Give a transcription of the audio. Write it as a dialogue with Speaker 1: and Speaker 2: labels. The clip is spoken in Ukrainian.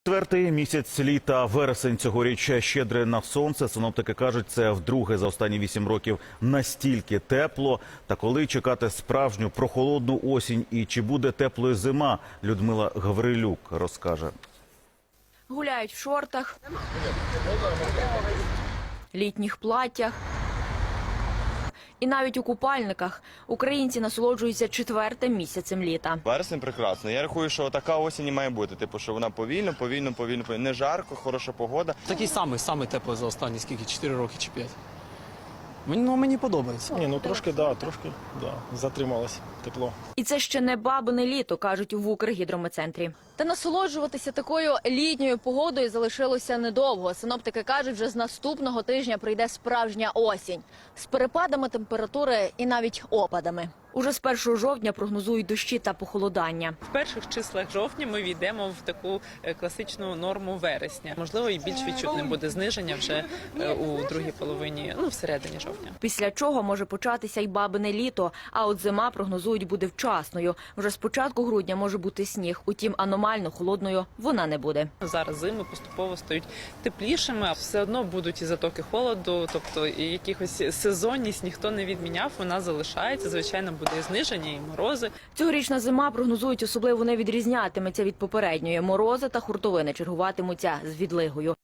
Speaker 1: Четвертий місяць літа, вересень цьогоріч щедрий на сонце. Синоптики кажуть, це вдруге за останні 8 років настільки тепло. Та коли чекати справжню прохолодну осінь і чи буде теплою зима, Людмила Гаврилюк розкаже.
Speaker 2: Гуляють в шортах, літніх платтях і навіть у купальниках. Українці насолоджуються четвертим місяцем літа.
Speaker 3: Вересень прекрасно. Я рахую, що така осінь і має бути. Типу, що вона повільно. Не жарко, хороша погода.
Speaker 4: Такий самий теплий за останні, скільки, 4 роки чи 5. Мені подобається.
Speaker 5: Ні, трошки затрималось тепло.
Speaker 2: І це ще не бабине літо, кажуть в Укргідрометцентрі. Та насолоджуватися такою літньою погодою залишилося недовго. Синоптики кажуть, вже з наступного тижня прийде справжня осінь. З перепадами температури і навіть опадами. Уже з 1 жовтня прогнозують дощі та похолодання.
Speaker 6: В перших числах жовтня ми війдемо в таку класичну норму вересня. Можливо, і більш відчутним буде зниження вже у другій половині, всередині жовтня.
Speaker 2: Після чого може початися й бабине літо, а от зима, прогнозують, буде вчасною. Вже з початку грудня може бути сніг, утім аномально холодною вона не буде.
Speaker 6: Зараз зими поступово стають теплішими, а все одно будуть і затоки холоду, тобто і якихось сезонність ніхто не відміняв, вона залишається, звичайно, буде і зниження, і морози.
Speaker 2: Цьогорічна зима, прогнозують, особливо не відрізнятиметься від попередньої. Морози та хуртовини чергуватимуться з відлигою.